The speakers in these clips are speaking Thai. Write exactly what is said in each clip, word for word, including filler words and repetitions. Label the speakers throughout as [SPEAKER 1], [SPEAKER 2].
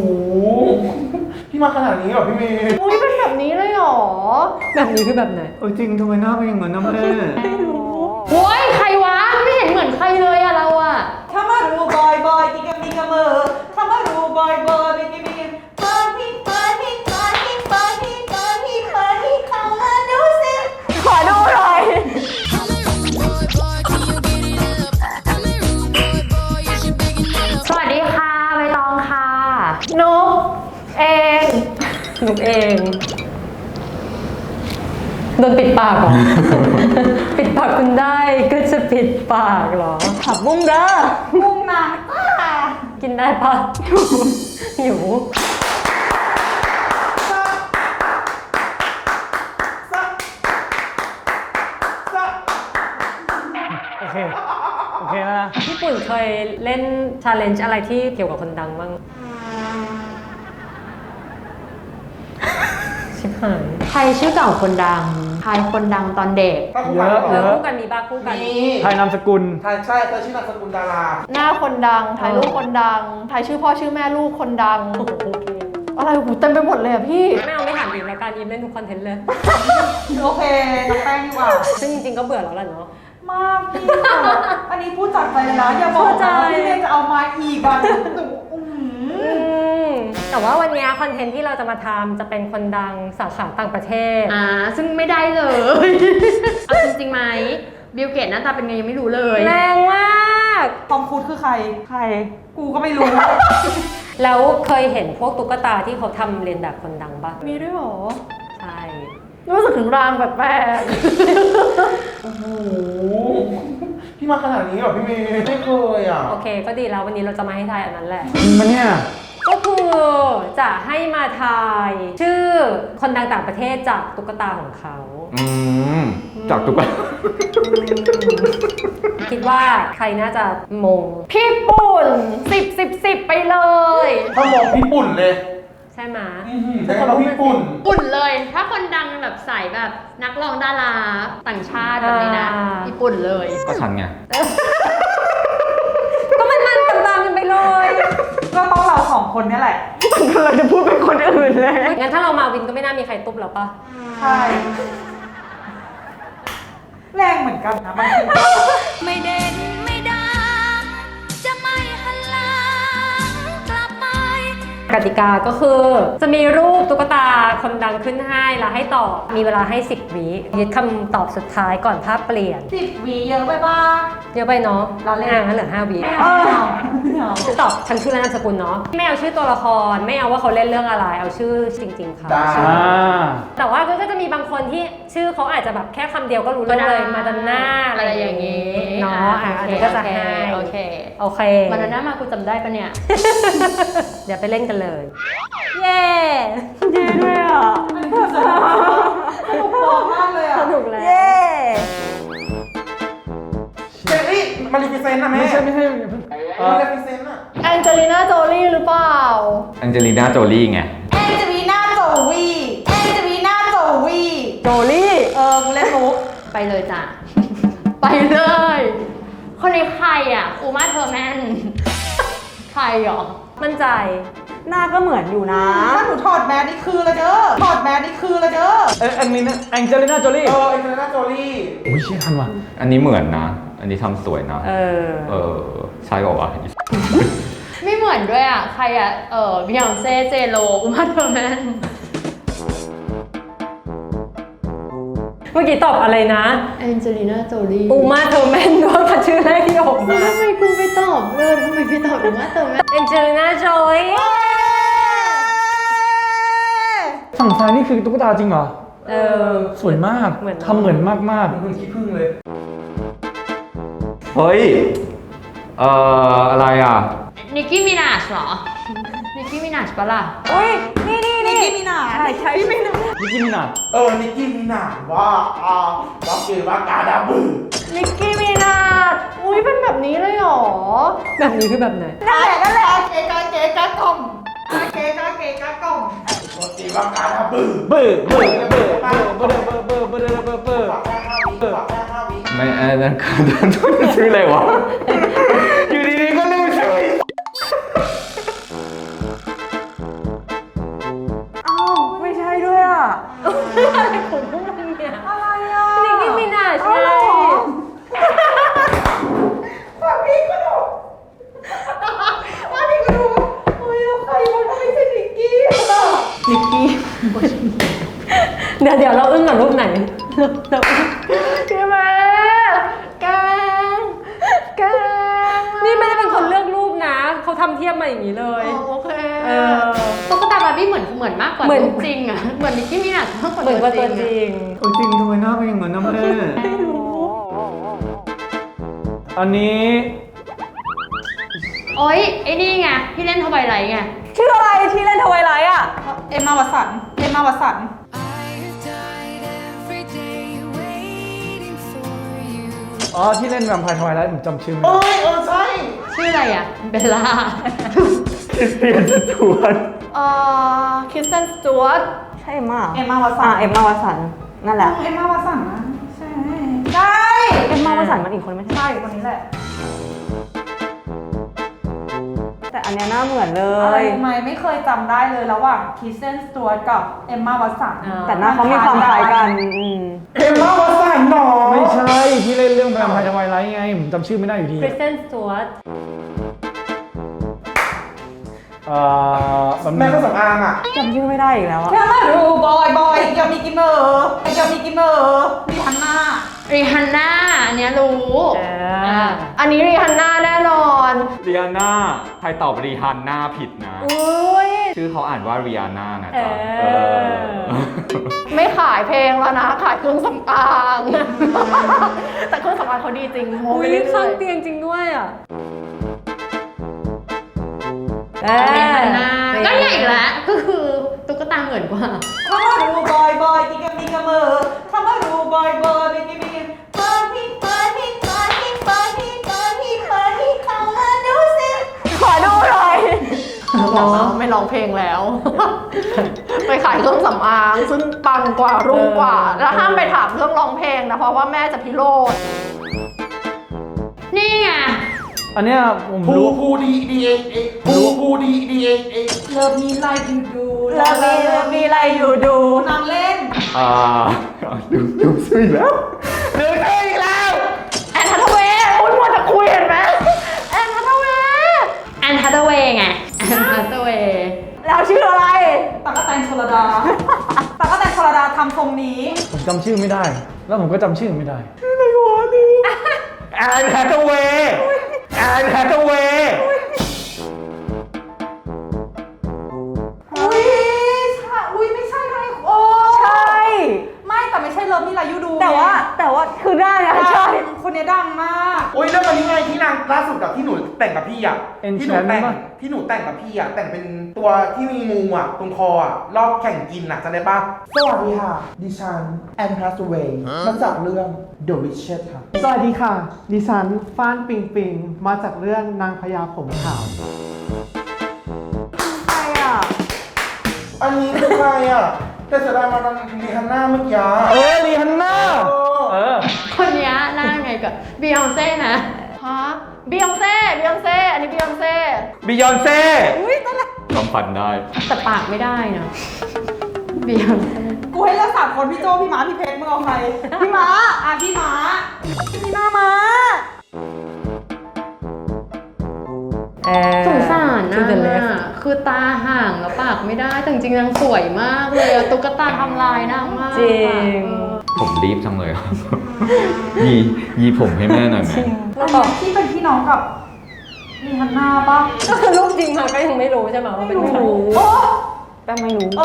[SPEAKER 1] พี่มาขนาดนี้เหรอพี่เมย์
[SPEAKER 2] อุ้ยเป็นแบบนี้เลยเหรอแบบนี้คือแบบไหน
[SPEAKER 1] เออจริงทำไมหน้าเป็นอย่างนั้นนะแม่
[SPEAKER 2] ไม่รู้โอ้ยใครวะไม่เห็นเหมือนใครเลยอะเราอะ
[SPEAKER 3] ถ้ามารูบอยบอยกินกันมีกันมือถ้ามารูบอยบอยกินกันมีกันปาร์ตี้ปาร์ตี้ปาร์ตี้ปาร์ตี้ปาร์ตี้ปาร์ตี้เข้ามาดูสิขอดูหน่อย
[SPEAKER 2] สวัสดีค่ะใบตองค่ะนุกเองนุกเองโดนปิดปากเหรอ ปิดปากคุณได้ก็จะปิดปากเหรอขับบุ้งเด้อ
[SPEAKER 3] มุ่งหนาป้า
[SPEAKER 2] กินได้ปะ หิว
[SPEAKER 1] โอเคโอเคแล้วนะ
[SPEAKER 2] ญี่ปุ่นเคยเล่นชาเลนจ์อะไรที่เกี่ยวกับคนดังบ้างชิบหายใครชื่อเก่าคนดังใครคนดังตอนเด็ก
[SPEAKER 1] เยอะ
[SPEAKER 2] เอ
[SPEAKER 1] เย
[SPEAKER 2] อ
[SPEAKER 1] อะ
[SPEAKER 2] คู่กันมีบ้างคู่กัน
[SPEAKER 1] มีไทยนามสกุลไทยใช่เธอชื่อนามสกุลดารา
[SPEAKER 4] หน้าคนดังถ่ายรูปคนดังถ่ายชื่อพ่อชื่อแม่ลูกคนดัง
[SPEAKER 2] โอเค
[SPEAKER 4] อะไรหูเต็มไปหมดเลยอะพี่
[SPEAKER 2] ไม่เอาไม่ถามอีกรายการยิ้มเล่นทุกคอนเทนต์เลย
[SPEAKER 3] โอเคน้องแป้งดีกว่า
[SPEAKER 2] ซึ่งจริงๆก็เบื่อแล้วแหละเนาะ
[SPEAKER 3] มากพี่อันนี้พูดจากใจเลยนะอย่าบอกนะว่าพี่เมย์จะเอามาอีกอ่ะหนูอืม
[SPEAKER 2] แต่ว่าวันนี้คอนเทนต์ที่เราจะมาทำจะเป็นคนดังสาขาต่างประเทศ
[SPEAKER 4] อ่าซึ่งไม่ได้เลย เอาจริงๆไหมบิลเกตหน้าตาเป็นไงยังไม่รู้เลย
[SPEAKER 2] แรงมาก
[SPEAKER 3] ทอมครูซคือใคร ใคร กูก็ไม่รู้
[SPEAKER 2] แล้วเคยเห็นพวกตุ๊กตาที่เขาทำเรียนแบบคนดังปะ
[SPEAKER 4] มีด้วยเหรอ
[SPEAKER 2] ใช่
[SPEAKER 4] รู้สึกถึงรางแปลก
[SPEAKER 1] โอ้โหพี่มาขนาดนี้เหรอพี่เมย์ไม่เคยอ่ะ
[SPEAKER 2] โอเคก็ดีแล้ววันนี้เราจะมาให้ทายอันนั้นแหละ
[SPEAKER 1] มันเนี่ย
[SPEAKER 2] ก็คือจะให้มาทายชื่อคนดังต่างประเทศจากตุ๊กตาของเขา
[SPEAKER 1] อืมจากตุ๊กตา
[SPEAKER 2] คิดว่าใครน่าจะมง
[SPEAKER 4] ๆพี่ปุ่นสิบสิบสิบไปเลย
[SPEAKER 1] ถ้ามองพี่ปุ่นเลย
[SPEAKER 2] ใช่ไหม
[SPEAKER 1] ใช่ครับพี่ปุ่น
[SPEAKER 4] ปุ่นเลย ถ้าคนดังแบบใส่แบบนักร้องดาราต่างชาติแบบนี้นะพี่ปุ่นเลย
[SPEAKER 1] ก็ฉันไง
[SPEAKER 2] ก็มันมันตามๆกันไปเลย
[SPEAKER 3] ก็ต้องเราสองคนเนี่ยแหละ
[SPEAKER 4] เราจะพูดเป็นคนอื่นเลย
[SPEAKER 2] งั้นถ้าเรามาวินก็ไม่น่ามีใครตุ๊บแล้วปะ
[SPEAKER 3] ใช่ แรงเหมือนกันนะบางที
[SPEAKER 5] ไม่เด่นไม่ดังจะไม่หันหลังกลับไป
[SPEAKER 2] กติกาก็คือจะมีรูปตุ๊กตาคนดังขึ้นให้แล้วให้ตอบมีเวลาให้สิบวิยึดคำตอบสุดท้ายก่อนภาพเปลี่ยน
[SPEAKER 3] สิบวีเยอะไปบ้าง
[SPEAKER 2] เยอะไปเนาะ
[SPEAKER 3] เราเล่น
[SPEAKER 2] อ่ะงั้นเหลือห้าวิ
[SPEAKER 3] เออไม่เอา
[SPEAKER 2] ตอบฉันชื่อและนามสกุลเนาะไม่เอาชื่อตัวละครไม่เอาว่าเขาเล่นเรื่องอะไรเอาชื่อจริงๆเขา
[SPEAKER 1] ได้
[SPEAKER 2] ชื่อแต่ว่าก็จะมีบางคนที่ชื่อเขาอาจจะแบบแค่คำเดียวก็รู้เรื่องเลยมาดอนน่าอะไรอย่างงี้เนาะอ่ะอันนี้ก็จะให้
[SPEAKER 4] โอเค
[SPEAKER 2] โอเค
[SPEAKER 4] มาดอนน่ามากูจำได้ปะเนี่ย
[SPEAKER 2] เดี๋ยวไปเล่นกันเลย เย้
[SPEAKER 3] ดีด้วยอ่ะอันนี้คือสนุกสนุกมากเลยอ่ะ
[SPEAKER 2] สนุกแล้ว
[SPEAKER 3] เย้
[SPEAKER 1] เจลลี่มาริฟิเซนต์นะแม่ไม่ใช่ไม่ใช่มาริฟิเซนต์อ่ะ
[SPEAKER 4] แองเจลิน่าโจลี่หรือเปล่า
[SPEAKER 6] แองเจลีน่าโจลี่ไง
[SPEAKER 3] แองเจลีน่าโจวีแองเจลีน่าโจวี
[SPEAKER 2] โจลี่
[SPEAKER 3] เออกูเล่นมุก
[SPEAKER 4] ไปเลยจ้ะ ไปเลย คนนี้ใครอ่ะอูมาเทอร์แมน ใครหรอ
[SPEAKER 2] มั่นใจ
[SPEAKER 3] หน้าก็เหมือนอยู่นะ ถ้าหนูถอดแมสนี่คือเลยเด้อ ถอดแมสนี่คือเลยเด้อ
[SPEAKER 1] เออแองเจลิน่าแองเจลิน่าโจลี่เออแองเจลิน่าโจลี่อุ้ยเชี่ยทันว่ะ
[SPEAKER 6] อันนี้เหมือนนะ อันนี้ทำสวยนะ
[SPEAKER 2] เออ
[SPEAKER 6] เออ ใช่ป่าวะ
[SPEAKER 4] ไม่เหมือนด้วยอ่ะ ใครอ่ะ เออบิยอนเซ่ เจโลอูมาเทอร์แมน
[SPEAKER 2] เมื่อกี้ตอบอะไรนะ
[SPEAKER 4] แองเจลิน่าโจลี่
[SPEAKER 2] อูมาเทอร์แมนด้วยค่ะชื่อแรกที่ออกมา
[SPEAKER 4] ทำไมคุณไปตอบเลยทำไมไปตอบอูมาเทอร์แมน
[SPEAKER 2] เอนเจลิน่าโจลี่
[SPEAKER 1] ฝั่งซ้ายนี่คือตุ๊กตาจริงเหรอ
[SPEAKER 2] เออ
[SPEAKER 1] สวยมาก
[SPEAKER 2] เหมือน
[SPEAKER 1] ทำเหมือนมากมากเหมือนขี้ผึ้งเลย
[SPEAKER 6] เฮ้ย เอ่อ อะไรอ่ะ
[SPEAKER 4] นิกกี้มินาชเหรอ นิกกี้มินาชปะล่ะ
[SPEAKER 2] อุ้ยนี่นี่
[SPEAKER 3] นิ
[SPEAKER 2] นี่
[SPEAKER 3] กกี้มินาใช่ใช่ไม่รู้
[SPEAKER 1] นิกกี้มินา
[SPEAKER 7] เออ นิกกี้มินาว่าอ่าว่าเกว่ากาดาบือ
[SPEAKER 4] นิกกี้มินาชอุ้ยเป็นแบบนี้เลยเหรอ
[SPEAKER 2] แบบนี้คือแบบไหน
[SPEAKER 3] นั่นแหละนั่นแหละเกกาเกกากล่อมเกกาเกกากล่อม
[SPEAKER 7] ว่าเกว่ากาดาบือ
[SPEAKER 1] เบอร์เบอร์เบอร์เบอร์เบอร์เบอร์เบอร์เบอร์เบอร์เบอร์
[SPEAKER 7] ฝากแค่ห้าวิฝากแค่ห้าวิ
[SPEAKER 6] ไม่อันนั้นคือชื่ออะไรวะ อยู่ดีๆก็เรียกว่าชื่อ
[SPEAKER 2] อะไรของพวกมึงเนี่ย
[SPEAKER 3] อะไรอ่ะ
[SPEAKER 2] นิกกี้มินาจ
[SPEAKER 3] เอา
[SPEAKER 2] ไง
[SPEAKER 3] เหรอว่าพี่ก็ดูว่าพี่ก็ดูโอ้ยแล้วใครมันไม่ใช่นิกกี้อ่ะนิกกี้
[SPEAKER 2] เดี๋ยวเดี๋ยวเราอึ้งกับรูปไหนเราอึ้ง
[SPEAKER 4] พี่แม่แกงแกง
[SPEAKER 2] นี่ไม่ได้เป็นคนเลือกรูปนะเขาทำเทียบมาอย่างนี้เลย
[SPEAKER 4] อ๋อโอเค
[SPEAKER 2] เออ
[SPEAKER 4] ตุ๊กตาบาร์บี้เหมือนเหมือนมากกว่า
[SPEAKER 2] เหมือน
[SPEAKER 4] รูปจริงอ่ะเหมือนนิกกี้มินาจมากกว่า
[SPEAKER 2] เหมือนว่าตัวจ
[SPEAKER 4] อะ
[SPEAKER 2] ริง
[SPEAKER 1] โอ้ยจริงทำไมหน้าเป็นอย่างนั้นนะแม่ อันนี้
[SPEAKER 4] โอ๊ยไอ้นี่ไงที่เล่นทวายไลท์ไง
[SPEAKER 3] ชื่ออะไรที่เล่นทวายไลท์อ่ะ เอ็มมาวัสันเอ็มมาวัสัน
[SPEAKER 5] I have died every day waiting for you.
[SPEAKER 1] อ๋อที่เล่นแวมไพร์ทวายไลท์ผมจำชื่อไม่
[SPEAKER 7] โอ้
[SPEAKER 1] ได้
[SPEAKER 7] ยเออใช่
[SPEAKER 4] ชื่ออะไรอ่ะเบลล่า
[SPEAKER 1] คริสเตียนสจวต
[SPEAKER 4] เอ่อคริสตันสจวต
[SPEAKER 3] ใช่เอ็มมา
[SPEAKER 8] เอ็มมาวัสัน
[SPEAKER 3] อ่าเอ็มมาวัสันนั่นแหละ
[SPEAKER 8] เอ็มมาวัสันนะใช่
[SPEAKER 3] ใช่
[SPEAKER 8] เอ็มมาวัสันมันอีกคนไม่ใช่
[SPEAKER 3] ใช่คนนี้แหละ
[SPEAKER 8] แต่อันเนี้ยหน้าเหมือนเล
[SPEAKER 3] อะไร
[SPEAKER 8] ย
[SPEAKER 3] รู้ไหมไม่เคยจำได้เลยระหว่างคริสเตนสตูวัตกับเอ็มมาวัสัน
[SPEAKER 2] อ่า
[SPEAKER 8] แต่หน้าเขามีความคล้ายกันอืม
[SPEAKER 7] เอ็มมาวัสันหนอ
[SPEAKER 1] ไม่ใช่ที่เล่นเรื่องแวมไพร์ทวายไลท์ไงผมจำชื่อไม่ได้อยู่ดี
[SPEAKER 2] คริสเตนสจวต
[SPEAKER 1] เอ่อแบบ
[SPEAKER 7] แม่ก็สำอางอ่ะ
[SPEAKER 8] จำชื่อไม่ได้อีกแล้วอะ
[SPEAKER 3] แค่มาดูบอยบอยเกียวมีกิมเมอร์เกียวมีกิมเมอร์มีฮันน่า
[SPEAKER 4] รีฮันน่าอันเนี้ยรู้
[SPEAKER 2] เออ
[SPEAKER 4] อ่ะอันนี้รีฮันน่าแน่นอน
[SPEAKER 6] รีอาน่าใครตอบรีฮันน่าผิดนะ
[SPEAKER 2] อุ้ย
[SPEAKER 6] ชื่อเขาอ่านว่ารีอาน่านะจ๊ะ
[SPEAKER 2] เออ
[SPEAKER 6] เออ
[SPEAKER 4] ไม่ขายเพลงแล้วนะ ขายเครื่องสำอาง แต่เครื่องสำอางเขาดีจริงโม
[SPEAKER 2] อุ้
[SPEAKER 4] ไป
[SPEAKER 2] ย
[SPEAKER 4] เรื่
[SPEAKER 2] ข้า
[SPEAKER 4] อง ย
[SPEAKER 2] เตียงจริงด้วยอ่ะ
[SPEAKER 4] ๆรีฮันน่าก็ใหญ่อีกแล้วก็คือตุ๊กตาเหมือนกว่า
[SPEAKER 3] ถ้ามาดูบอยบอยกิกามีกาเมอร์ถ้ามาดูบอยบอยบิกิบินปาฮิปาฮิปาฮิปาฮิปาฮิปาฮิเข้ามาดูสิ
[SPEAKER 8] ขอดูหน่อย
[SPEAKER 4] เนาะไม่ร้องเพลงแล้ว ไปขายเครื่องสำอางซึ่งปังกว่ารุ่งกว่า แล้วห้ามไปถามเรื่องร้องเพลงนะ เพราะว่าแม่จะพิโรธนี่ไง
[SPEAKER 1] อันเนี้ยผม
[SPEAKER 7] ภู
[SPEAKER 1] รู้
[SPEAKER 7] ภูดีดีเอเอภูภูดีดีเอเอ
[SPEAKER 3] เลิฟมีไลฟ์ยูดู
[SPEAKER 8] เลิฟมีเลิฟมีอะไรอยู่ดู
[SPEAKER 3] นางเล่น
[SPEAKER 6] อ่าดูดูชื่อแล้ว
[SPEAKER 4] แอนทัตเวย์คุณมัวแต่คุยเห็นไหมแอนทัตเวย์แอนทัตเวย์ไงแอนทัตเวย์
[SPEAKER 8] แล้วชื่ออะไร
[SPEAKER 3] ตากกะแตนชลดาตากกะแตนชลดาทำทรงนี้
[SPEAKER 1] ผมจำชื่อไม่ได้ แล้วผมก็จำชื่อไม่ได้
[SPEAKER 6] แอนแฮทเวย์แอนแฮทเวย์
[SPEAKER 3] อุ้ยใช่อุ้ยไม่ใช่ไงโอ้
[SPEAKER 8] ใช่
[SPEAKER 3] ไม่แต่ไม่ใช่เลิฟมีไลฟ์ยูดู
[SPEAKER 8] แต่ว่าแต่ว่าคือได้นะ
[SPEAKER 3] ใช่
[SPEAKER 8] ใช่
[SPEAKER 3] คนนี้ดังมาก
[SPEAKER 7] โอ้ยเรื่องอันนี้ไงที่นางล่าสุดกับที่หนูแต่งกับพี่อ่ะ ที่หนู
[SPEAKER 1] Enchant
[SPEAKER 7] แต่ง
[SPEAKER 1] ปะ
[SPEAKER 7] ที่หนูแต่งกับพี่อ่ะแต่งเป็นตัวที่มีงูอ่ะตรงคออ่ะรอบแข่งกินอ่ะจำได้ปะสวัสดีค่ะ ดิฉันแอนพาสเวย์มาจากเรื่อง The Witches ค่ะ
[SPEAKER 9] สวัสดีค่ะ ดิฉันฟ้านปิงปิง มาจากเรื่องนางพญาผมขาว
[SPEAKER 8] ใช่อ่ะ
[SPEAKER 7] อันนี้คือใครอ่ะ แต่เสียดายมาตอนรีฮันน่าเมื่อกี้
[SPEAKER 1] เออรีฮันน่าเออ
[SPEAKER 4] คนเนี้ยหน้าไงกับบียอนเซ่นะฮะบียอนเซ่บียอนเซ่อันนี้บียอนเซ่
[SPEAKER 6] บิยอนเซ่จำฟันได้
[SPEAKER 4] แต่ปากไม่ได้นะบียอนเซ่
[SPEAKER 3] กูให้เลือกสามคนพี่โจพี่ม้าพี่เพชรมึงเอาใคร พี่ม้าอ่ะพี่ม้าพี่หน้าม้า
[SPEAKER 2] เออ
[SPEAKER 4] สงสารนะ
[SPEAKER 2] To the left
[SPEAKER 4] คือตาห่างแล้วปากไม่ได้แต่จริงๆนางสวยมากเลยอะตุ๊กตาทำลายนางมาก
[SPEAKER 2] จริง
[SPEAKER 4] เออ
[SPEAKER 6] ผมรีบจังเลยครับ ยียีผมให้แม่หน่อยไหม
[SPEAKER 3] อันนี้ที่เป็นพี่น้องกับมีฮันน่าปะ
[SPEAKER 2] ก็คือรูปจริงมาก็ยังไม่รู้ใช่ไหมว่าเป็นใคร
[SPEAKER 3] โอ้
[SPEAKER 8] แป้งไม่รู้
[SPEAKER 3] โอ้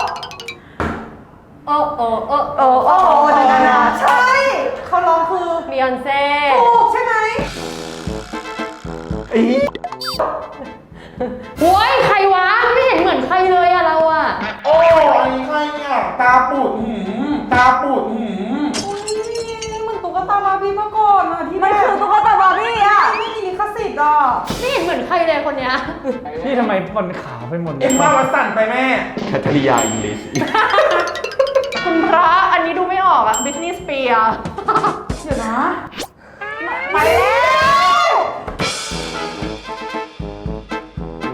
[SPEAKER 2] โอ้โอ้โอ้
[SPEAKER 8] โอ้โอ้โอ้
[SPEAKER 3] โอ้
[SPEAKER 8] นานา
[SPEAKER 3] ใช่เขาร้องคือ
[SPEAKER 2] บียอนเซ่
[SPEAKER 3] ถูกใช่ไหม
[SPEAKER 4] โอ้ยใครวะไม่เห็นเหมือนใครเลยอะเราอะ
[SPEAKER 7] โอ้อันนี้ใครเนี่ย ตาปูดหืมตาปูดหืม
[SPEAKER 3] อุ้ยเหมือนตุ๊กตาบาร์บี้เมื่อก่อนอะที่
[SPEAKER 8] มันคือตุ๊กตาบาร์บี้อ่ะ
[SPEAKER 3] ไม่มีลิขสิทธิ์อ่ะ
[SPEAKER 4] ไม่เห็นเหมือนใครเลยคนเนี้ย
[SPEAKER 1] พี่ทำไมฟันขาวไปหมดลย
[SPEAKER 7] เอ็มมาวัสันไปแม่
[SPEAKER 6] แคทริยาอิงลิช
[SPEAKER 4] คุณพระอันนี้ดูไม่ออกอะบิสนิสเปีย
[SPEAKER 3] เดี๋ยวนะ
[SPEAKER 8] ไปแล้ว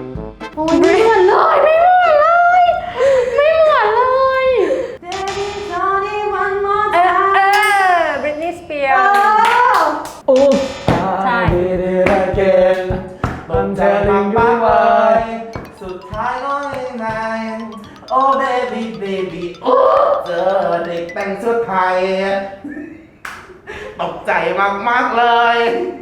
[SPEAKER 4] โอ้ยไม่เหมือนเลยไม่เหมือนเลยไม่เหมือนเลย
[SPEAKER 3] เดวิด
[SPEAKER 7] สุดท้ายก็ยังไงโอ้เบบี้เบบี้โอ้เจอเด็กแต่งชุดไทยตกใจมากๆเลย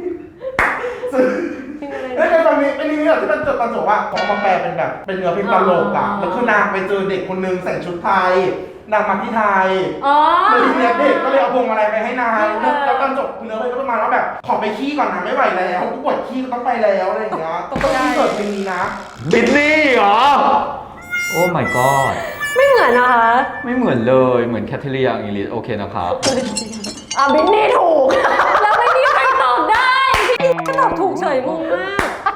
[SPEAKER 7] แล้วในตอนนี้เป็นนี้ที่มันจดตอนจบว่าเขามาแปลเป็นแบบเป็นเนื้อเพลงตลกอ่ะแล้วคือนางไปเจอเด็กคนนึงใส่ชุดไทยนางมาที่ไทย
[SPEAKER 2] อ๋อ
[SPEAKER 7] แล้วทีเนี้ยเด็กก็เลยเอาพวงมาลัยไปให้นางแล้วตอนจบเนื้อเพลงก็ประมาณว่าแบบขอไปขี้ก่อนนะไม่ไหวแล้วกูปวดขี้ก็ต้องไปแล้วอะไรอย่างเงี้ยต้องต้องเกิดเพลงนี้นะ
[SPEAKER 6] บิทนี่เหรอ โอ้ my god
[SPEAKER 2] ไม่เหมือนนะคะ
[SPEAKER 6] ไม่เหมือนเลยเหมือนแคทเธอรีนอิงลิสโอเคนะครับ
[SPEAKER 4] อ่ะบินนี่ถูก
[SPEAKER 2] แล้วไม่มีใครตอบได้พี่ก็ตอบถูกเฉยงงมาก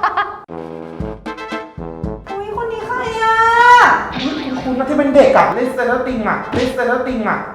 [SPEAKER 3] อุ้ยคนนี้ใครอ่ะ
[SPEAKER 7] คุณน่าจะเป็นเด็กกับลิสเตอร์ติงอ่ะลิสเตอร์ติงอ่ะ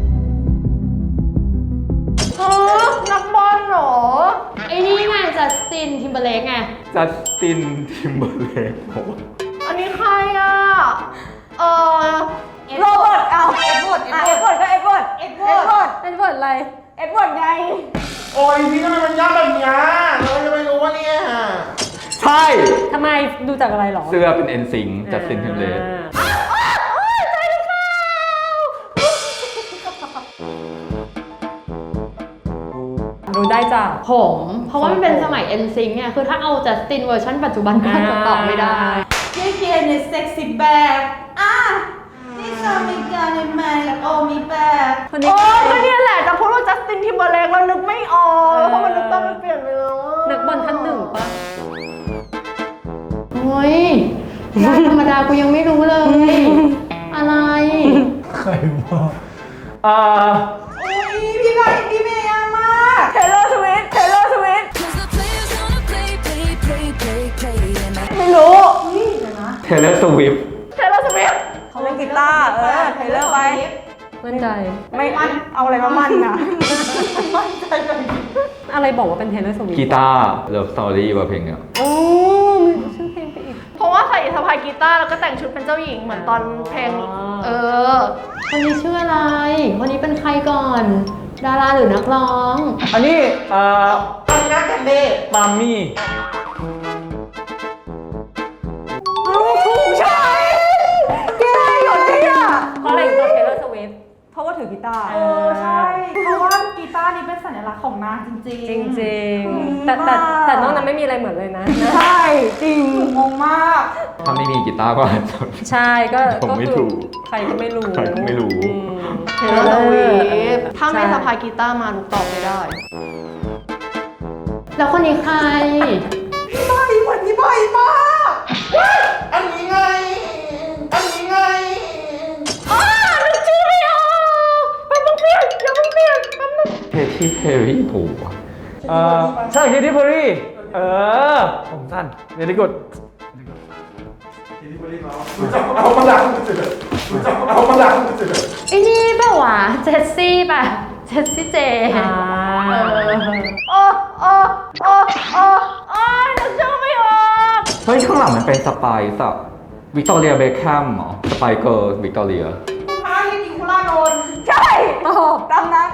[SPEAKER 4] เออนักบอลเหรอ
[SPEAKER 2] ไอ้นี่ไงจัสตินทิมเบอร์เลกไง
[SPEAKER 6] จัสตินทิมเบอร์เลก
[SPEAKER 4] อันนี้ใครอ่ะ เออ
[SPEAKER 8] โรเบิร์ตเอา
[SPEAKER 3] เอ็ดเวิร์ด
[SPEAKER 8] อ่ะเอ็ดเวิร์ดก็เอ็ดเวิร์ด
[SPEAKER 3] เอ็ดเวิร์ด
[SPEAKER 2] เป็นบทอะไร
[SPEAKER 8] เอ็ดเวิร์ดไง
[SPEAKER 7] โอ้ยพี่ทำไมมันยากแบบเนี้ยเราจะไม่รู้ว่าเนี่ย
[SPEAKER 6] ใช่
[SPEAKER 2] ทำไมดูจากอะไรหรอ
[SPEAKER 6] เสื้อเป็นเอ็นซิงจัสตินทิมเบอร์เลก
[SPEAKER 2] รู้ได้จ้ะ
[SPEAKER 10] ผม เพราะว่ามันเป็นสมัย เอ็น ซิงค์ เนี่ย คือถ้าเอาจัสตินเวอร์ชันปัจจุบันก็จะตอบไม่ได้
[SPEAKER 3] เย้เกียร์ในเซ็กซี่แบบอ่ะนี่ชอบมีการในแมนโอมีแบบ
[SPEAKER 2] คนนี้
[SPEAKER 4] โอ้ก็เนี่ยแหละจะพูดว่าจัสตินทิมเบอร์เลกแล้วนึกไม่ออกเพราะมันนึกต้องมันเปลี่ยนไปแล้วอะ
[SPEAKER 2] นักบอลท่านหนึ่งปะ
[SPEAKER 10] โอ้ยยากธรรมดากูยังไม่รู้เลย อะไร
[SPEAKER 1] ใครบอก
[SPEAKER 6] อ่า
[SPEAKER 3] อุ้ยพี่ใบพี่เมย์ยากมาก
[SPEAKER 8] เทเลอร์สวิฟต์เทเลอร์สวิฟต์
[SPEAKER 5] 'Cause the players gonna play, play, play, play, play. And I
[SPEAKER 8] ไม่รู้
[SPEAKER 6] เทเลอร์สวิฟ
[SPEAKER 4] เทเลอร์สวิฟต์
[SPEAKER 8] เขาเล่นกีตาร์เออเทเลอร์ไป
[SPEAKER 2] มั่นใจ
[SPEAKER 8] ไม่มั่นเอาอะไรมามั่นนะ
[SPEAKER 2] อะไรบอกว่าเป็นเทเลอร์สวิฟ
[SPEAKER 6] กีตาร์เลิฟสตอรี่ว่าเพลงเนี้ย
[SPEAKER 2] โอ้มันชื่อเพลงไปอีก
[SPEAKER 4] เพราะว่าใส่สะพายกีตาร์แล้วก็แต่งชุดเป็นเจ้าหญิงเหมือนตอนเพลง
[SPEAKER 2] อ๋อ
[SPEAKER 4] เออ
[SPEAKER 10] คนนี้ชื่ออะไร คนนี้เป็นใครก่อน ดาราหรือนักร้อง
[SPEAKER 6] อันนี้เอ่อ
[SPEAKER 7] อันนี้กันเด้
[SPEAKER 6] ปามมี่
[SPEAKER 8] ถูกใช่แกหยดเลยอ่ะ
[SPEAKER 2] เพราะอะไรถึงเทเลอร์สวิฟ
[SPEAKER 8] เพราะว่าถือกีตาร์
[SPEAKER 3] เออใช่ เพราะว่ากีตาร์นี้เป็นสัญลักษณ์ของนางจริง
[SPEAKER 2] จ
[SPEAKER 3] ๆ
[SPEAKER 2] ริงๆ แต่แต่แต่นอกนั้นไม่มีอะไรเหมือนเลยนะ
[SPEAKER 8] ใช่จริง
[SPEAKER 3] งงมาก
[SPEAKER 6] ถ้าไม่มีกีตาร์ก็อาจจะ
[SPEAKER 2] ใช่ก็
[SPEAKER 6] ผมไม่
[SPEAKER 2] ก็คือ
[SPEAKER 6] ถูก
[SPEAKER 2] ใครก็ไม่รู้
[SPEAKER 6] ใครก็ไม่รู้
[SPEAKER 2] อืม
[SPEAKER 4] เทเลอร์สวิฟต์ถ้าไม่
[SPEAKER 2] ใช่
[SPEAKER 4] สะพายกีตาร์มาลูกตอบไม่ได้
[SPEAKER 10] แล้วคนนี้ใคร
[SPEAKER 7] พี่ใบเหมือนพี่ใบมากว้ายอันนี้ไง อันนี้ไง
[SPEAKER 4] อ้านึกชื่อไม่ออกแป๊บนึงเปลี่ยนอย่าเพิ่งเปลี่ยนแป๊บนึง
[SPEAKER 6] เทที่เพรี่ถูกว่ะ
[SPEAKER 1] เออใช่เคที่เพอร์รี่เออ ผมสั้นเวลี่กุด
[SPEAKER 7] รู้จักเอามาล้างมือเสร็จรู้จักเอามาล้างมือเสร็จ
[SPEAKER 10] ไอ้นี่เปล่าวะเจสซี่ป่ะ เจสซี่เจ
[SPEAKER 2] อ่า
[SPEAKER 4] โอ้โอ้โอ้โอ้โอ้ยนึกชื่อไม่ออก
[SPEAKER 6] เฮ้ยข้างหลังมันเป็นสไปซ์อะวิกตอเรียเบคแฮมเหรอสไปเกอร์วิกตอเรีย
[SPEAKER 3] คุณพระลินิคุล่าโดน
[SPEAKER 8] ใช่ตามนั้น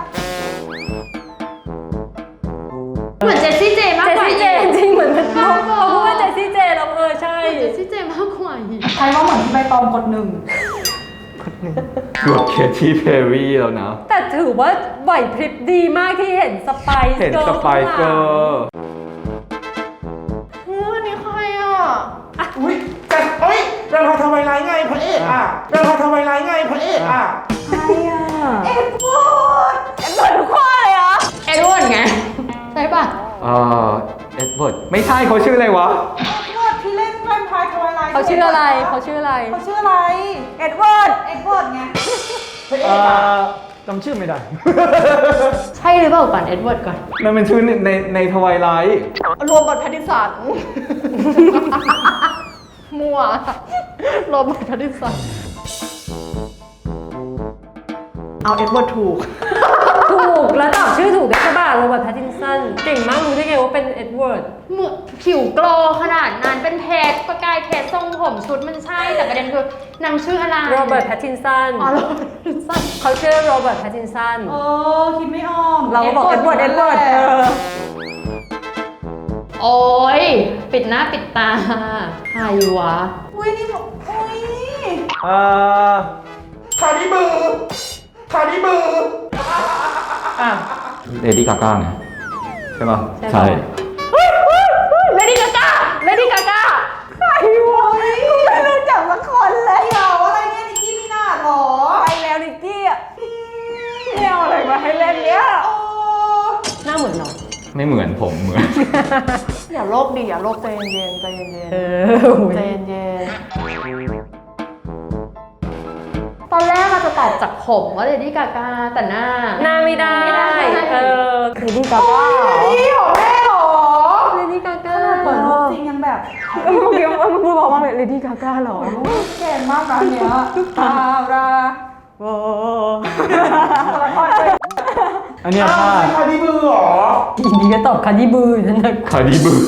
[SPEAKER 10] เหมือนเจสซี่เจมาก
[SPEAKER 2] เจ
[SPEAKER 10] กว่า
[SPEAKER 2] ซี่เจจริงเหมือนมันเขาเขาพูดว่าเจซี่เจแล้วเออใช่
[SPEAKER 10] เจสซี่เจมากกว่าอีก
[SPEAKER 3] ใครว่าเหมือนพี่ใบตองกดหนึ่ง
[SPEAKER 6] เกือบเคที่เพรี่แล้วนะ
[SPEAKER 2] แต่ถือว่าไหวพริบดีมากที่เห็นสไปซ์
[SPEAKER 6] เห็น
[SPEAKER 2] กิร์ล
[SPEAKER 6] สไปเกอร์
[SPEAKER 4] เฮ้ยอันนี้ใครอ่ะ
[SPEAKER 7] อุ้ยแต่เฮ้ยเรื่องพาทำไมไรไงพระเอกอ่ะเรื่องพาทำไมไรไงพระเอกอ่ะ
[SPEAKER 8] ใครอ่ะ
[SPEAKER 3] เอ็ดเวิร์ด
[SPEAKER 8] เอ็ดเวิร์ดทุกข้อเลยเหรอ
[SPEAKER 10] เอ็ดเวิร์ดไง ใช่ป่ะ
[SPEAKER 6] เอ่อเอ็ดเวิร์ดไม่ใช่เขาชื่ออะไรวะ
[SPEAKER 3] เอ็ดเวิร์ดที่เล่นแวมไพร์ทวายไลท์
[SPEAKER 2] เขาชื่ออะไรเขาชื่ออะไร
[SPEAKER 3] เขาชื่ออะไร
[SPEAKER 8] เอ็ดเวิร์ด
[SPEAKER 3] เอ็ดเวิร์ดไง
[SPEAKER 7] พระเอ
[SPEAKER 1] เอก
[SPEAKER 7] อ่ะ
[SPEAKER 1] อจำชื่อไม่ได้
[SPEAKER 10] ใช่หรือเปล่าก่อนเอ็ดเวิร์ดก่อน
[SPEAKER 6] มันเป็นชื่อในในในทวายไลท์
[SPEAKER 4] รวมบทแพทติสัน มั่วรวมบทแพทติสันเอาเอ็ดเวิร์ดถูก
[SPEAKER 2] ถูกแล้วตอบชื่อถูกด้วยใช่ป่ะโรเบิร์ตแพตตินสันเก่งมากรู้ได้ไงว่าเป็นเอ็ดเวิร์ด
[SPEAKER 10] เหมือนผิวโกลว์ขนาดนั้นเป็นเพชรประกายเพชรทรงผมชุดมันใช่ แต่ประเด็นคือนางชื่ออะไร
[SPEAKER 2] โรเบิร์ตแพตตินสัน
[SPEAKER 10] อ๋อโรเบิร์ตแพตตินสัน
[SPEAKER 2] เขาชื่อโรเบิร์ตแพตตินสัน
[SPEAKER 3] เออ คิดไม่ออก
[SPEAKER 8] เราก็บอกเอ็ดเวิร์ดเอ็ดเวิร์ดเออ
[SPEAKER 10] โอ้ยปิดหน้าปิดตาใครวะ
[SPEAKER 3] อุ้อุ้ยนี่บอกอุ้ย
[SPEAKER 1] เอ่อ
[SPEAKER 7] คาดิบือคาดิบือ
[SPEAKER 1] อ่ะ
[SPEAKER 6] เลดี้กาก้าไงใช่ป่ะ
[SPEAKER 2] ใช่
[SPEAKER 4] เลดี้กาก้าเลดี้กาก้า
[SPEAKER 3] ใครวะกูไม่รู้จักสักคนเลยเดี๋ยวอะไรเนี่ยนิกกี้มินาจเหรอ
[SPEAKER 8] ไปแล้วนิกกี้อ่ะไม่เอาอะไรมาให้เล่นเนี่ย
[SPEAKER 3] โอ้
[SPEAKER 2] หน้าเหมือนเนาะ
[SPEAKER 6] ไม่เหมือนผมเหมือน
[SPEAKER 4] อย่าโลกดิอย่าโลกใจเย็นๆใจเย็น
[SPEAKER 2] เอ
[SPEAKER 4] ๆ
[SPEAKER 2] อ
[SPEAKER 4] ใจเย็นๆตอนแรกเราจะตอบจากผมว่าเลดี้กาก้าแต่หน้า
[SPEAKER 2] หน้าไม่ได้ เออ
[SPEAKER 8] เลดี้กาก้าเหรอ
[SPEAKER 3] นี่ของแม่เหรอ
[SPEAKER 2] เลดี้กาก้า
[SPEAKER 3] เปิดรูปจริงยังแบบ
[SPEAKER 8] เมื่อกี้มันพูดบอกว่าเลดี้กาก้าเหรอ
[SPEAKER 3] แก่มากนะเนี้ยตารา
[SPEAKER 8] โอ้
[SPEAKER 1] อันเนี้ย
[SPEAKER 7] อ้า
[SPEAKER 1] พลาว ด
[SPEAKER 7] คาดิบือเหรอ
[SPEAKER 2] อีนี้ก็ตอบคาร์ดิบือนั่นนะ
[SPEAKER 6] คาดิบือ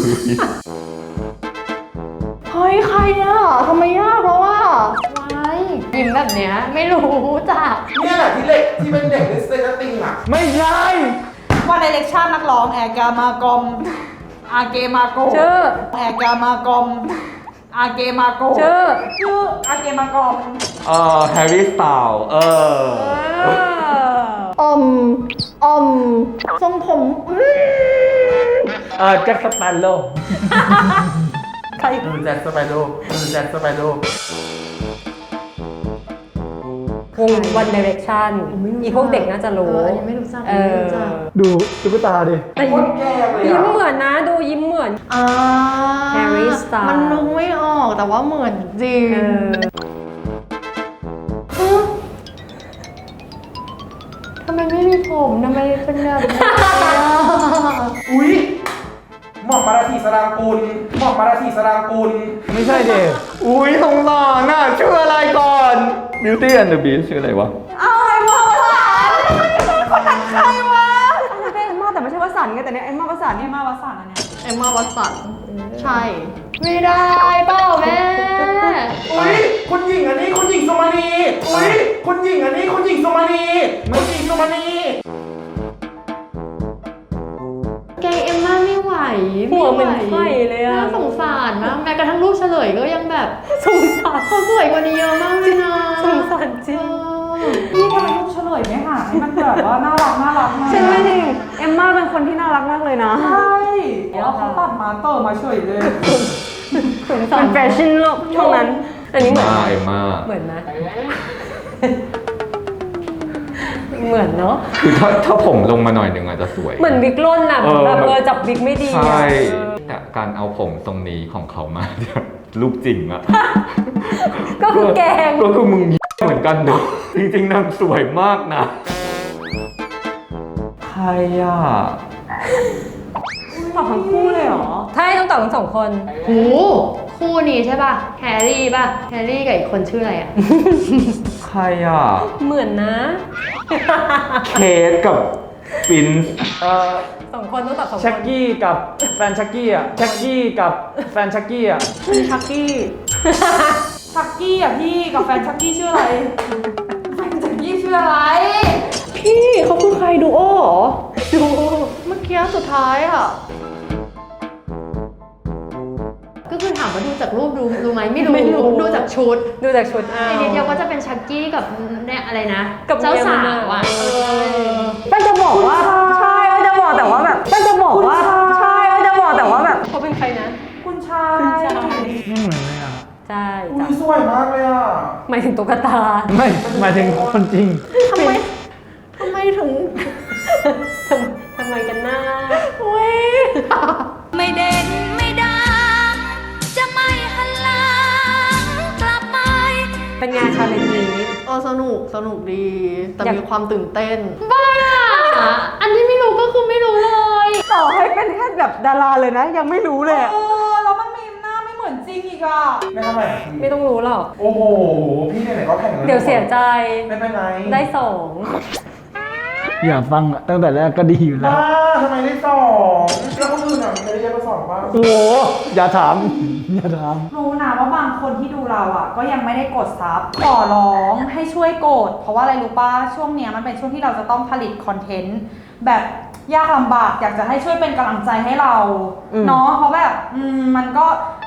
[SPEAKER 4] เฮ้ยใครอ่ะทำไมยากเพราะว่า
[SPEAKER 10] ว้ายยิ้มแบบเนี้ยไม่รู้จัก
[SPEAKER 7] เนี่ยแหละที่เล็กที่เป็นเด็กในสเตนติงอ่ะ
[SPEAKER 1] ไม่ใช่
[SPEAKER 3] วันไดเรกชันนักร้องแอร์กามากอมอาเกมาโก
[SPEAKER 2] ชื่อ
[SPEAKER 3] แอร์กามากอมอาเกมาโก
[SPEAKER 2] ชื่อ
[SPEAKER 3] ชื่ออาเกมากอม
[SPEAKER 6] เอ่อแฮร์รี่สไตล์เออ
[SPEAKER 4] อมอมทรงผมอืม
[SPEAKER 1] เอ่อแจ็คสเปโร่
[SPEAKER 2] ใคร
[SPEAKER 1] เออแจ็คสเปโร่เออแจ็คสเปโร่
[SPEAKER 2] วง One Direction อีพวกเด็กน่าจะ
[SPEAKER 4] เอ
[SPEAKER 2] รู้
[SPEAKER 4] ออันนี้ไม่รู้จัก
[SPEAKER 2] เอ
[SPEAKER 4] ไม่
[SPEAKER 2] อ
[SPEAKER 4] รู้จัก
[SPEAKER 1] ดูตุ๊กตาดิ
[SPEAKER 2] แต่
[SPEAKER 7] โค
[SPEAKER 2] ยิ้ม
[SPEAKER 7] ตรแก่เลย
[SPEAKER 2] ยิ้ม
[SPEAKER 7] อ่ะ
[SPEAKER 2] เหมือนนะ ดูยิ้มเหมือน
[SPEAKER 4] อ่า
[SPEAKER 2] Harry Styles
[SPEAKER 4] มันนึกไม่ออกแต่ว่าเหมือนจริง
[SPEAKER 2] เออ
[SPEAKER 4] ฮะทำไมไม่มีผมทำไมเป็นแบบนี้อ่ะ
[SPEAKER 7] อุ้ยหม่อมมาราธีสรางกุลหม่อมมาราธีสรางกุล
[SPEAKER 1] ไม่ใช่เด็ก
[SPEAKER 6] อุ้ยสงสารน่ะชื่ออะไรก่อน Beauty and the Beast ชื่ออะไรวะ
[SPEAKER 3] เอาไอ้พ่อวะคนนั้นใครวะ
[SPEAKER 8] ไม่ใช่เอ็มม่าแต่ไม่ใช่วสันต์ไงแต่เนี้ยเอ็มม่าวสันต์
[SPEAKER 3] นี่
[SPEAKER 8] เนี่ย
[SPEAKER 3] มาวัดสันอันเนี้ย
[SPEAKER 4] เอ็มมาวัตสันใช่ ไม่ได้เปล่าแม่
[SPEAKER 7] อุ้ยคุณหญิงอันนี้คุณหญิงสมานีอุ้ยคุณหญิงอันนี้คุณหญิงสมานีคุณหญิงสมานี
[SPEAKER 10] แกงเอมม่าไม่ไหว
[SPEAKER 2] หัวเหมือน
[SPEAKER 10] ไ
[SPEAKER 2] ไข่เลยอะ
[SPEAKER 10] น่าสงสารมากแม้กระทั่งรูปเฉลยก็ยังแบบ
[SPEAKER 2] สงสาร
[SPEAKER 10] เขาสวยกว่านี้เยอะมากเลยนะ
[SPEAKER 2] สงสารจริง
[SPEAKER 10] เออ
[SPEAKER 3] พี่ทำไมลูกเฉลยไม่หาให้มันแบบว่าน่ารักน่ารักมา
[SPEAKER 8] ใช่ไหมจริงเอ็มม่าเป็นคนที่น่ารักมากเลยนะ
[SPEAKER 3] ใช่แล้วเขาตัดมาเตอร์มาเฉยเลย
[SPEAKER 8] มันแฟชั่นโลกช่วงนั้น
[SPEAKER 2] อันนี้เหมือน
[SPEAKER 6] มาเอ็มมา
[SPEAKER 2] เหมือนไหม เหมือนเนาะ
[SPEAKER 6] คือถ้าถ้าผมลงมาหน่อยหนึ่งอาจจะสวย
[SPEAKER 2] เหมือนวิกล่นน่ะ
[SPEAKER 6] เออ
[SPEAKER 2] แบบเออจับวิกไม่ดี
[SPEAKER 6] ใช่
[SPEAKER 2] อะ
[SPEAKER 6] แต่การเอาผมทรงนี้ของเขามา เนี่ยรูปจริงอะ
[SPEAKER 2] ก็คือแกง
[SPEAKER 6] ก็คือมึงเหมือนกันเนอะจริงๆนางสวยมากนะ ใครอ่ะ
[SPEAKER 8] ตอบทั้งคู่เลยเหรอ
[SPEAKER 2] ใช่ต้องตอบทั้งสองคน
[SPEAKER 10] โหคู่นี้ใช่ป่ะ แฮร์รี่ป่ะ แฮร์รี่กับอีกคนชื่ออะไรอ่ะ
[SPEAKER 6] ใครอ่ะ
[SPEAKER 2] เหมือนนะ
[SPEAKER 6] เคสกับฟินซ์
[SPEAKER 1] เอ่อ
[SPEAKER 2] สองคนต้องตอบสองคน
[SPEAKER 1] ชักกี้กับแฟนชักกี้อ่ะชักกี้กับแฟนชักกี้อ่ะ
[SPEAKER 8] ชักกี้
[SPEAKER 3] ชักกี้อ่ะพี่กับแฟนชักกี้ชื่ออะไรแฟนชักกี้ชื่ออะไร
[SPEAKER 8] พี่เขาคือใครดูโอเหรอ
[SPEAKER 4] ดูเมื่อกี้สุดท้ายอ่ะ
[SPEAKER 10] ก็คือถามว่าดูจากรูปรู้รู้ไหมไม่รู้
[SPEAKER 2] ไม่รู้
[SPEAKER 10] ดูจากชุด
[SPEAKER 2] ดูจากชุดอ้า
[SPEAKER 10] ใน
[SPEAKER 2] ว
[SPEAKER 10] นิดเดียวก็จะเป็นชักกี้กับเนี่ยอะไรนะ
[SPEAKER 2] กับ
[SPEAKER 10] เจ้าสา
[SPEAKER 2] เมียมัน
[SPEAKER 10] ว
[SPEAKER 2] อะ
[SPEAKER 10] อ่ะ
[SPEAKER 2] เออ
[SPEAKER 8] แป้งจะบอกว่าใช่แป้งจะบอกแต่ว่าแบบแป้งจะบอกว่าใช่แป้งจะบอกแต่ว่าแบบ
[SPEAKER 2] เขาเป็นใครนะ
[SPEAKER 3] คุณชาย
[SPEAKER 2] คุณชาย
[SPEAKER 1] ไม่เหมือนเลยอ่ะ
[SPEAKER 2] ใช่
[SPEAKER 7] อุ้
[SPEAKER 2] จ้ะ
[SPEAKER 7] ยสวยมากเลยอ่ะ
[SPEAKER 2] หมายถึงตุ๊กตา
[SPEAKER 1] ไม่หมายถึงคนจริง
[SPEAKER 4] ทำไมทำไมถึง
[SPEAKER 2] ทำทำไมกันนะ
[SPEAKER 4] อุ้ย
[SPEAKER 5] ไม่เด่นไม่ดัง จะไม่หันหลังกลับไป
[SPEAKER 2] เป็นงานชาเลนจ์นี้
[SPEAKER 4] เออสนุกสนุกดี แต่
[SPEAKER 2] อยาก
[SPEAKER 4] มีความตื่นเต้น
[SPEAKER 10] บ้า อันที่ไม่รู้ก็คือไม่รู้เลย
[SPEAKER 8] ต่อให้เป็นแค่แบบดาราเลยนะ ยังไม่รู้เลยอะ
[SPEAKER 3] เออแล้วมันมีหน้าไม่เหมือนจริงอีกอ่ะ
[SPEAKER 7] ไม่ทำไมอ่ะ
[SPEAKER 2] ไม่ต้องรู้หรอก
[SPEAKER 7] โอ้โห พี่ไหนๆก็แข่งกัน
[SPEAKER 2] เดี๋ยวเสียใจ
[SPEAKER 7] ไม่เป็นไร
[SPEAKER 2] ได้สอง
[SPEAKER 1] อย่าฟังอะตั้งแต่แรกก็ดีอยู่แล้ว
[SPEAKER 7] บ้าทำไมได้สองแล้วคนอื่นอ่ะมีใครได้เยอะกว่าสองบ้าง
[SPEAKER 1] โอ้โห อย่าถาม อย่าถาม
[SPEAKER 3] รู้นะว่าบางคนที่ดูเราอ่ะ ก็ยังไม่ได้กดซับขอร้องให้ช่วยกด เพราะว่าอะไรรู้ป่ะช่วงเนี้ยมันเป็นช่วงที่เราจะต้องผลิตคอนเทนต์แบบยากลำบากอยากจะให้ช่วยเป็นกำลังใจให้เรา
[SPEAKER 8] อืม
[SPEAKER 3] เนาะเพราะแบบอืมมันก็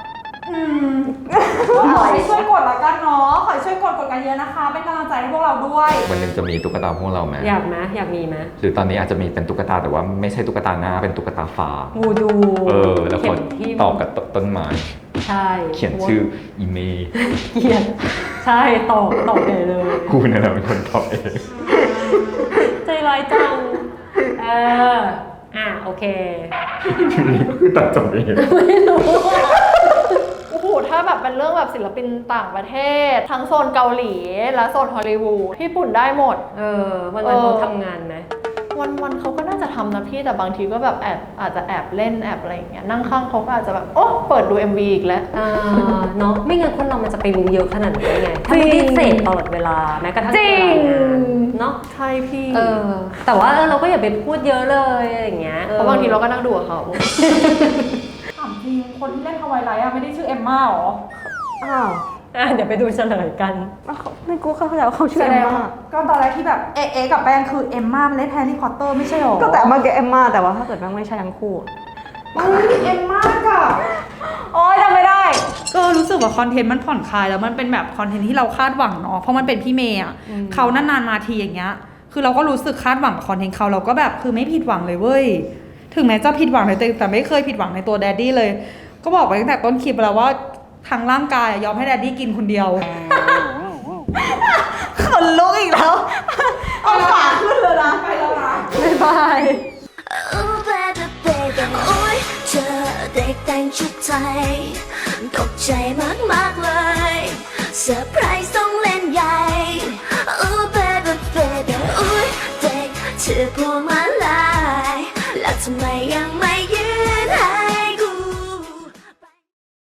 [SPEAKER 3] อืมขอให้ช่วยกดละกันเนาะขอให้ช่วยกดกดกันเยอะนะคะ เป็นกำลังใจให้พวกเราด้วย
[SPEAKER 6] วันหนึ่งจะมีตุ๊กตาพวกเราไหม
[SPEAKER 2] อยากไหมอยากมีไหม
[SPEAKER 6] หรือตอนนี้อาจจะมีเป็นตุ๊กตาแต่ว่าไม่ใช่ตุ๊กตาหน้าเป็นตุ๊กตาฟ้า
[SPEAKER 2] งูดู
[SPEAKER 6] เออ แล้ว
[SPEAKER 2] เข็
[SPEAKER 6] ก็
[SPEAKER 2] มที่
[SPEAKER 6] ต่อกับต้นไม้
[SPEAKER 2] ใช่
[SPEAKER 6] เขียนชื่ออีเมย์
[SPEAKER 2] เขียนใช่ตอกตอกเลยเลย
[SPEAKER 6] กูนั่นแหละเป็นคนตอบเอง
[SPEAKER 2] ใจร้ายจัง เออ อ่ะ โอเค
[SPEAKER 6] คือตัดจบเอง
[SPEAKER 2] ไม่รู้อะ
[SPEAKER 4] โอ้โห ถ้าแบบเป็นเรื่องแบบศิลปินต่างประเทศ ทั้งโซนเกาหลี และโซนฮอลลีวูดญี่ปุ่นได้หมด
[SPEAKER 2] เออ วันวันเขาทำงานไหม
[SPEAKER 4] วันวันๆเขาก็น่าจะทำนะพี่ แต่บางทีก็แบบแอบอาจจะแอบเล่นแอบอะไรอย่างเงี้ย นั่งข้างเขาก็อาจจะแบบ โอ้เปิดดู เอ็ม วี อีกแล้ว
[SPEAKER 2] อ่าเนาะไม่งั้นคนเรามันจะไปรู้เยอะขนาดนี้ได้ไง ถ้าไม่ได้เสพตลอดเวลาแม้กระทั่ง
[SPEAKER 4] จริง
[SPEAKER 2] เวลางานเนาะ
[SPEAKER 4] ใช่พี่
[SPEAKER 2] เออ แต่ว่าเออเราก็อย่าไปพูดเยอะเลยอะไรอย่างเงี้ยออ
[SPEAKER 4] เพราะบางทีเราก็นั่งดูกับเขา
[SPEAKER 3] ถามจริง คนที่เล่นฮาวายไลท์อะไม่ได้ชื่อเอมม่าหรอ
[SPEAKER 8] อ้าว
[SPEAKER 2] อ่ะเดี๋ยวไปดูเฉลยกัน
[SPEAKER 8] ในกูเข้าใจว่าเขาชื่อ
[SPEAKER 3] แส
[SPEAKER 8] เอ
[SPEAKER 3] ด
[SPEAKER 8] ม
[SPEAKER 3] ง
[SPEAKER 8] มา
[SPEAKER 3] ว่าก็ตอนแรกที่แบบเอะเอะกับแป้งคือเอมม่ามันเล่นแฮร์รี่พอตเตอร์ไม่ใช่หรอ
[SPEAKER 8] ก็แต่เมื่อกี้เอมมาแต่ว่าถ้าเกิดแม่งไม่ใช่ทั้งคู่อะ
[SPEAKER 3] เฮ้ยเอมม่ากับโอ๊ยจำไม่ได้ ก็รู้สึกว่าคอนเทนต์มันผ่อนคลายแล้วมันเป็นแบบคอนเทนต์ที่เราคาดหวังเนาะเพราะมันเป็นพี่เมย์อะเขานานๆมาทีอย่างเงี้ยคือเราก็รู้สึกคาดหวังกับคอนเทนต์เขาเราก็แบบคือไม่ผิดหวังเลยเว้ยถึงแม้จะผิดหวังในตัวเองแต่ไม่เคยผิดหวังในตัวแดดดี้เลย ก็บอกไปตั้งแต่ต้นคลิปแล้วว่าทางร่างกายยอมให้แดดดี้กินคนเดียวขนลุกอีกแล้วเอาขาขึ้นเลยนะไปแล้วนะ
[SPEAKER 2] บ๊ายบาย
[SPEAKER 5] Oh baby baby โอ้ยเธอเด็กแต่งชุดไทยตกใจมากๆเลยเซอร์ไพรส์ต้องเล่นใหญ่ Oh baby baby โอ้ยเด็กถือพวงมาลัยแล้วทำไมยังไม่